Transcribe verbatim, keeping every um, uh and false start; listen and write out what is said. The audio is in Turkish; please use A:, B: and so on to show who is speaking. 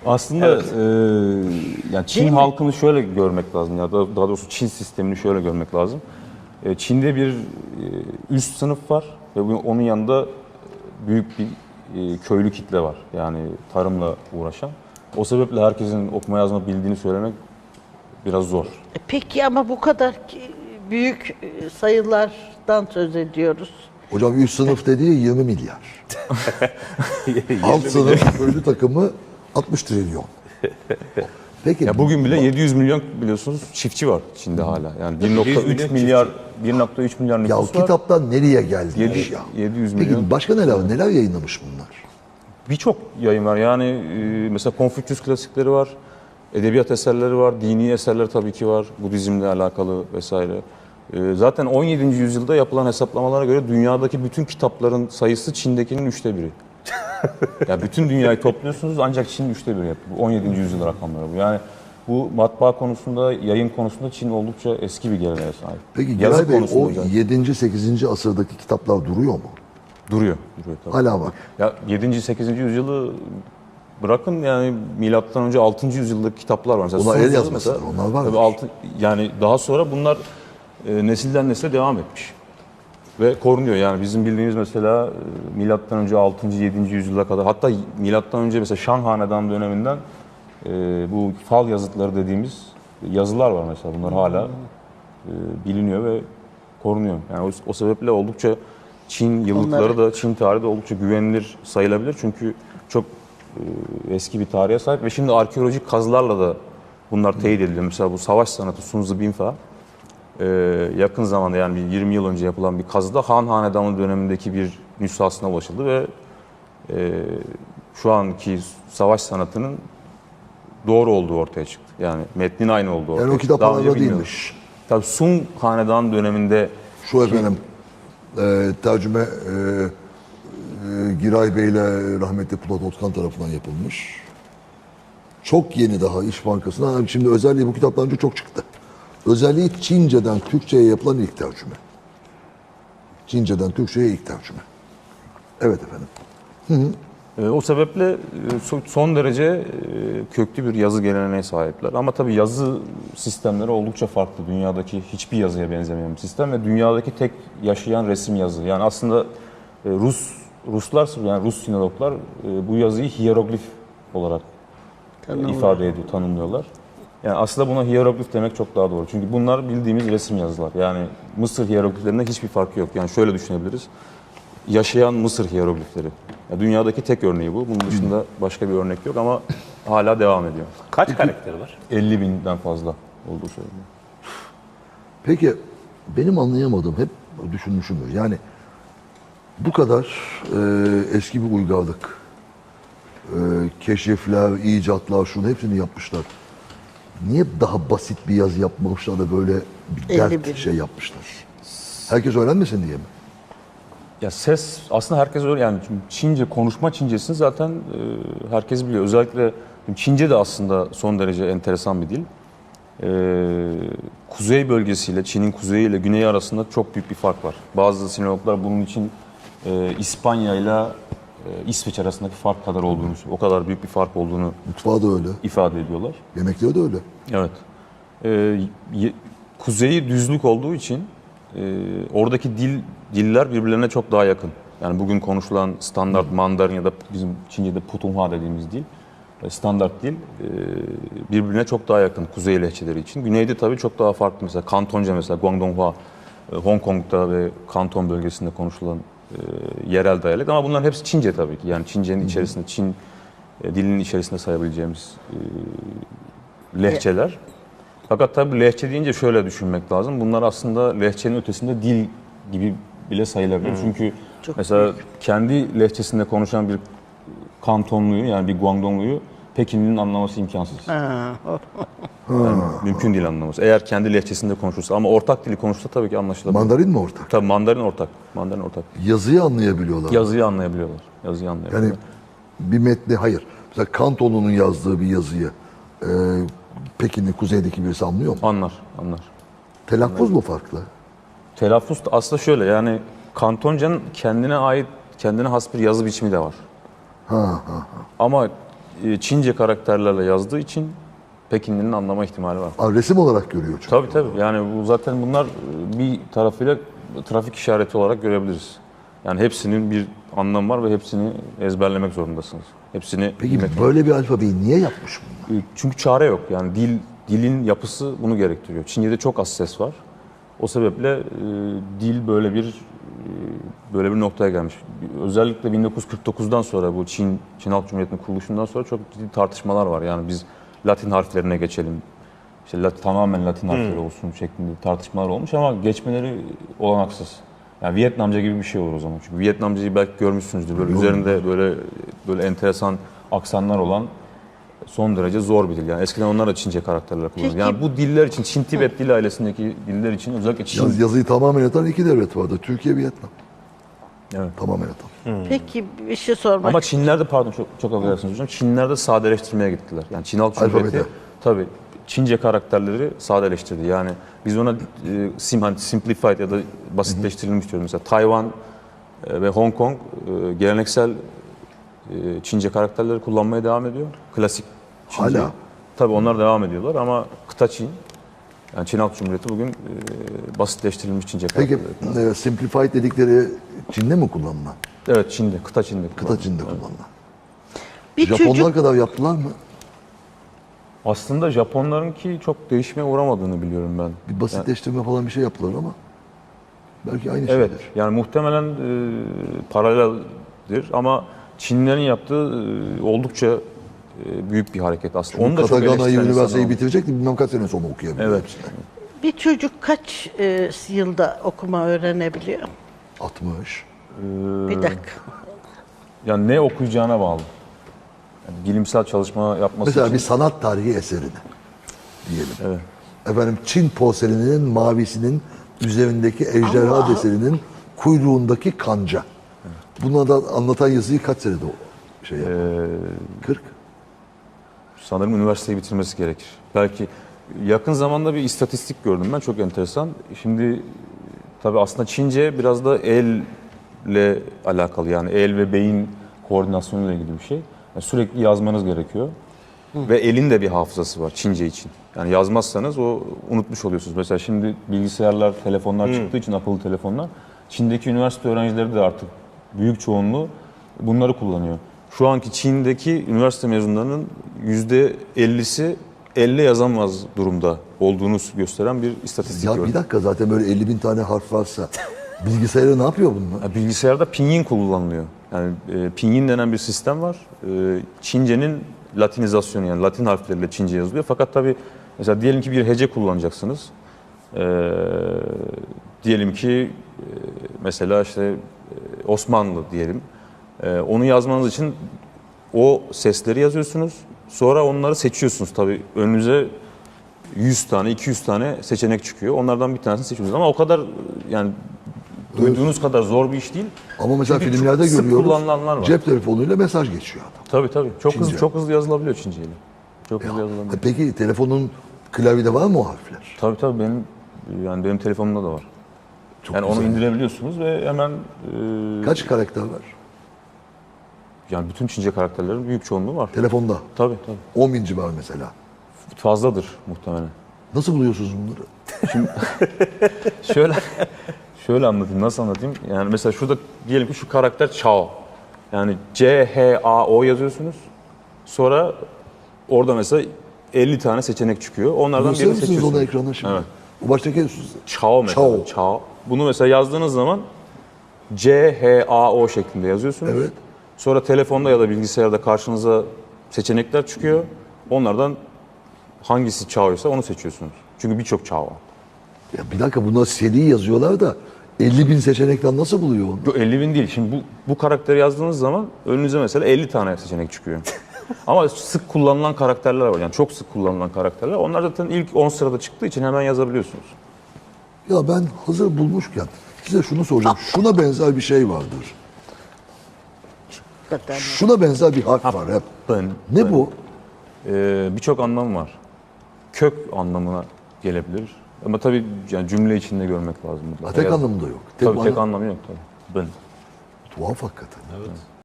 A: Aslında
B: Evet.
A: e, yani Çin
C: Değil mi?
A: halkını şöyle görmek lazım ya da daha doğrusu Çin sistemini şöyle görmek lazım. E, Çin'de bir e, üst sınıf var ve bu- onun yanında büyük bir e, köylü kitle var. Yani tarımla uğraşan. O sebeple herkesin okuma yazma bildiğini söylemek biraz zor.
C: E Peki ama bu kadar ki- büyük e, sayılardan söz ediyoruz.
D: Hocam üst sınıf dediği yirmi milyar. Alt sınıf köylü takımı altmış trilyon. Peki
A: Ya bugün bile yedi yüz milyon biliyorsunuz çiftçi var Çin'de hala. Yani bir nokta üç
B: milyon
A: milyar bir nokta üç milyar
D: ya o
A: nüfus var.
D: kitaptan nereye geldi bu
A: Yedi-
D: iş ya?
A: yedi yüz
D: Peki
A: milyon.
D: başka neler neler yayınlamış bunlar?
A: Birçok yayın var. Yani e, mesela Konfüçyüs klasikleri var, edebiyat eserleri var, dini eserler tabii ki var, Budizmle alakalı vesaire. E, zaten on yedinci yüzyılda yapılan hesaplamalara göre dünyadaki bütün kitapların sayısı Çin'dekinin üçte biri. Ya bütün dünyayı topluyorsunuz ancak Çin üçte biri yapıyor. Bu on yedinci yüzyıl rakamları bu. Yani bu matbaa konusunda, yayın konusunda Çin oldukça eski bir geleneğe sahip.
D: Peki
A: Yazı
D: Giray Bey
A: konusunda
D: o
A: özellikle.
D: yedinci sekizinci asırdaki kitaplar duruyor mu?
A: duruyor. duruyor tabii.
D: Hala var.
A: Ya yedinci sekizinci yüzyılı bırakın yani milattan önce altıncı yüzyıldaki kitaplar var. Mesela
D: Onlar
A: Sun
D: el
A: Tzu
D: yazmasıdır,
A: mesela,
D: onlar var
A: tabii
D: mı?
A: altı, yani daha sonra bunlar e, nesilden nesile devam etmiş. Ve korunuyor yani bizim bildiğimiz mesela e, milattan önce altıncı yedinci yüzyıla kadar hatta milattan önce mesela Şan Hanedanı döneminden e, bu fal yazıtları dediğimiz yazılar var mesela. Bunlar hala e, biliniyor ve korunuyor. Yani o, o sebeple oldukça Çin yıllıkları da Çin tarihi de oldukça güvenilir sayılabilir. Çünkü çok e, eski bir tarihe sahip ve şimdi arkeolojik kazılarla da bunlar teyit ediliyor. Mesela bu savaş sanatı Sun Tzu Binfa e, yakın zamanda yani bir yirmi yıl önce yapılan bir kazıda Han Hanedanı dönemindeki bir nüshasına ulaşıldı ve e, şu anki savaş sanatının doğru olduğu ortaya çıktı. Yani metnin aynı olduğu ortaya
D: Yani o
A: çıktı. Daha önce
D: kitaplarda
A: bilmiyorduk.
D: değilmiş.
A: Tabii Sun Hanedanı döneminde
D: Şu efendim e, tercüme e, e, Giray Bey ile rahmetli Polat Otkan tarafından yapılmış. Çok yeni daha İş Bankası'na. Şimdi özelliği bu kitaptan önce çok çıktı. Özelliği Çince'den Türkçe'ye yapılan ilk tercüme. Çince'den Türkçe'ye ilk tercüme. Evet efendim.
A: E, o sebeple e, so- son derece e, köklü bir yazı geleneğine sahipler. Ama tabii yazı sistemleri oldukça farklı. Dünyadaki hiçbir yazıya benzemeyen bir sistem ve dünyadaki tek yaşayan resim yazı. Yani aslında e, Rus Ruslar yani Rus sinologlar e, bu yazıyı hiyeroglif olarak e, ifade ediyor, tanımlıyorlar. Yani aslında buna hiyeroglif demek çok daha doğru. Çünkü bunlar bildiğimiz resim yazılar. Yani Mısır hiyerogliflerinde hiçbir farkı yok. Yani şöyle düşünebiliriz. Yaşayan Mısır hiyeroglifleri. Ya dünyadaki tek örneği bu. Bunun dışında başka bir örnek yok ama hala devam ediyor.
B: Kaç karakteri var?
A: elli binden fazla olduğu söyleniyor.
D: Peki benim anlayamadığım hep düşünmüşümdür. Yani bu kadar e, eski bir uygarlık, e, keşifler, icatlar, şunu hepsini yapmışlar. Niye daha basit bir yazı yapmamışlar da böyle bir
C: elli
D: dert
C: bin.
D: şey yapmışlar? Herkes öğrenmesin diye mi?
A: Ya ses aslında herkes öyle yani Çince konuşma Çincesini zaten e, herkes biliyor. Özellikle Çince de aslında son derece enteresan bir dil. E, kuzey bölgesiyle Çin'in kuzeyi ile güneyi arasında çok büyük bir fark var. Bazı sinologlar bunun için e, İspanya ile İsveç arasındaki fark kadar olduğunu, o kadar büyük bir fark olduğunu
D: Mutfağı da öyle.
A: ifade ediyorlar.
D: Yemekleri de öyle.
A: Evet. Ee, ye- kuzeyi düzlük olduğu için e, oradaki dil diller birbirlerine çok daha yakın. Yani bugün konuşulan standart Mandarin ya da bizim Çince'de Putonghua dediğimiz dil, e, standart dil e, birbirine çok daha yakın kuzey lehçeleri için. Güneyde tabii çok daha farklı. Mesela Kantonca mesela Guangdonghua, e, Hong Kong'da ve Kanton bölgesinde konuşulan e, yerel diyalekt. Ama bunların hepsi Çince tabii ki. Yani Çince'nin içerisinde, Çin e, dilinin içerisinde sayabileceğimiz e, lehçeler. Fakat tabii lehçe deyince şöyle düşünmek lazım. Bunlar aslında lehçenin ötesinde dil gibi bile sayılabilir. Çünkü
C: Çok
A: mesela
C: büyük.
A: kendi lehçesinde konuşan bir Kantonluyu yani bir Guangdongluyu Pekinli'nin anlaması imkansız.
C: Ha,
A: Yani mümkün değil anlaması. Eğer kendi lehçesinde konuşursa ama ortak dili konuşsa tabii ki anlaşılabilir.
D: Mandarin mi ortak?
A: Tabii Mandarin ortak. Mandarin ortak.
D: Yazıyı anlayabiliyorlar.
A: Yazıyı anlayabiliyorlar. Yazıyı anlayabiliyorlar.
D: Yani bir metni hayır. Mesela Kantonlu'nun yazdığı bir yazıyı e, Pekin'in kuzeydeki birisi anlıyor mu?
A: Anlar, anlar.
D: Telaffuz mu farklı?
A: Telaffuz da aslında şöyle yani Kantonca'nın kendine ait, kendine has bir yazı biçimi de var.
D: Ha, ha, ha.
A: Ama e, Çince karakterlerle yazdığı için Pekinli'nin anlama ihtimali var.
D: Aa, resim olarak görüyor çünkü.
A: Tabii tabii. Yani bu zaten bunlar e, bir tarafıyla trafik işareti olarak görebiliriz. Yani hepsinin bir anlamı var ve hepsini ezberlemek zorundasınız. Hepsini
D: Peki
A: bilmek-
D: böyle bir alfabeyi niye yapmış bunlar?
A: E, Çünkü çare yok. Yani dil dilin yapısı bunu gerektiriyor. Çince'de çok az ses var. O sebeple e, dil böyle bir e, böyle bir noktaya gelmiş. Özellikle bin dokuz yüz kırk dokuzdan sonra bu Çin Çin Halk Cumhuriyeti'nin kuruluşundan sonra çok ciddi tartışmalar var. Yani biz Latin harflerine geçelim. İşte Lat- tamamen Latin harfleri olsun şeklinde tartışmalar olmuş ama geçmeleri olanaksız. Yani Vietnamca gibi bir şey olur o zaman. Çünkü Vietnamcayı belki görmüşsünüzdür. Böyle üzerinde böyle böyle enteresan aksanlar olan son derece zor bir dil. Yani eskiden onlar da Çince karakterler kullanıyor.
C: Peki-
A: Yani bu diller için, Çin Tibet dil ailesindeki diller için özellikle Çin.
D: Yaz, yazıyı tamamen atan iki devlet vardı. Türkiye, Vietnam.
A: Evet.
D: Tamamen atan.
C: Peki bir şey sormak
A: Ama Çinlerde pardon çok çok affedersiniz hocam. Çinlerde sadeleştirmeye gittiler. Yani Çin Halk Cumhuriyeti
D: Alfabede.
A: tabii Çince karakterleri sadeleştirdi. Yani biz ona e, sim hani simplified ya da basitleştirilmiş diyoruz. Mesela Tayvan e, ve Hong Kong e, geleneksel e, Çince karakterleri kullanmaya devam ediyor. Klasik Çince.
D: Hala?
A: Tabii onlar devam ediyorlar ama kıta Çin. Yani Çin Halk Cumhuriyeti bugün e, basitleştirilmiş Çince
D: Peki
A: karakterleri.
D: e, simplified dedikleri Çin'de mi kullanılan?
A: Evet Çin'de, kıta Çin'de.
D: Kıta Çin'de kullanılan.
C: bir
D: Japonlar
C: çocuk
D: kadar yaptılar mı?
A: Aslında Japonlarınki çok değişmeye uğramadığını biliyorum ben.
D: Bir basitleştirme falan bir şey yaptılar ama belki aynı
A: Evet,
D: şeydir.
A: yani muhtemelen e, paraleldir ama Çinlerin yaptığı e, oldukça e, büyük bir hareket aslında. Onu da çok
D: Katagana'yı,
A: eleştiren insanlar
D: üniversiteyi
A: oldu.
D: bitirecekti. Bilmem kaç sene sonra okuyabiliyor.
A: Evet.
D: hepsini.
C: bir çocuk kaç e, yılda okuma öğrenebiliyor?
D: altmış.
C: Bir dakika.
A: Yani ne okuyacağına bağlı. Yani bilimsel çalışma yapması
D: Mesela
A: için.
D: bir sanat tarihi eserini diyelim.
A: Evet.
D: Efendim Çin porseleninin mavisinin üzerindeki ejderha deseninin kuyruğundaki kanca. Buna da anlatan yazıyı kaç senede o şey yapar?
A: Ee,
D: kırk.
A: sanırım üniversiteyi bitirmesi gerekir. Belki yakın zamanda bir istatistik gördüm ben çok enteresan. Şimdi tabii aslında Çince biraz da elle alakalı yani el ve beyin koordinasyonuyla ilgili bir şey. Yani sürekli yazmanız gerekiyor. Ve elin de bir hafızası var Çince için. Yani yazmazsanız o unutmuş oluyorsunuz. Mesela şimdi bilgisayarlar, telefonlar çıktığı için akıllı telefonlar Çin'deki üniversite öğrencileri de artık büyük çoğunluğu bunları kullanıyor. Şu anki Çin'deki üniversite mezunlarının yüzde ellisi elle yazamaz durumda olduğunu gösteren bir istatistik
D: Ya
A: gördüm.
D: bir dakika zaten böyle elli bin tane harf varsa bilgisayarda ne yapıyor bunlar?
A: Ya bilgisayarda pinyin kullanılıyor. Yani e, pinyin denen bir sistem var. E, Çince'nin latinizasyonu yani Latin harfleriyle Çince yazılıyor. Fakat tabii mesela diyelim ki bir hece kullanacaksınız. E, diyelim ki e, mesela işte e, Osmanlı diyelim. E, onu yazmanız için o sesleri yazıyorsunuz. Sonra onları seçiyorsunuz tabii. Önünüze yüz tane, iki yüz tane seçenek çıkıyor. Onlardan bir tanesini seçiyorsunuz. Ama o kadar yani duyduğunuz kadar zor bir iş değil.
D: Ama mesela
A: Çünkü
D: filmlerde
A: çok sık
D: görüyoruz.
A: kullanılanlar var.
D: Cep telefonuyla mesaj geçiyor adam.
A: Tabii tabii. Çok
D: Çince.
A: hızlı çok hızlı yazılabiliyor Çinceyle. Çok hızlı yazılabiliyor.
D: E Peki telefonun klavyede var mı o harfler?
A: Tabii tabii benim yani benim telefonumda da var.
D: Çok
A: Yani onu
D: güzel.
A: indirebiliyorsunuz ve hemen e,
D: Kaç karakter var?
A: yani bütün Çince karakterlerin büyük çoğunluğu var.
D: Telefonda.
A: Tabii tabii.
D: on bin civarı mesela.
A: Fazladır muhtemelen.
D: Nasıl buluyorsunuz bunları?
A: Şöyle şöyle anlatayım. Nasıl anlatayım? Yani mesela şurada diyelim ki şu karakter Chao. Yani C H A O yazıyorsunuz. Sonra orada mesela elli tane seçenek çıkıyor. Onlardan
D: Gösterir
A: birini
D: misiniz onu
A: seçiyorsunuz.
D: ekrana şimdi?
A: Evet.
D: O baştaki
A: Chao mesela.
D: Chao.
A: Chao. Bunu mesela yazdığınız zaman C H A O şeklinde yazıyorsunuz.
D: Evet.
A: Sonra telefonda ya da bilgisayarda karşınıza seçenekler çıkıyor. Onlardan hangisi Chao'ysa onu seçiyorsunuz. Çünkü birçok Chao var.
D: Ya bir dakika bunlar seri yazıyorlar da elli bin seçenekten nasıl buluyor onu?
A: Yok elli bin değil. Şimdi bu, bu karakteri yazdığınız zaman önünüze mesela elli tane seçenek çıkıyor. Ama sık kullanılan karakterler var. Yani çok sık kullanılan karakterler. Onlar zaten ilk on sırada çıktığı için hemen yazabiliyorsunuz.
D: Ya ben hazır bulmuşken size şunu soracağım. Şuna benzer bir şey vardır.
C: Hakikaten.
D: Şuna benzer bir harf var hep.
A: Ben,
D: Ne
A: ben-
D: bu?
A: Ee, birçok anlamı var. Kök anlamına gelebilir. Ama tabii yani cümle içinde görmek lazım.
D: Ha, tek
A: Yaz-
D: anlamında yok.
A: Tabii tek
D: ana-
A: anlamı yok tabii. Ben.
D: Tuhaf hakikaten.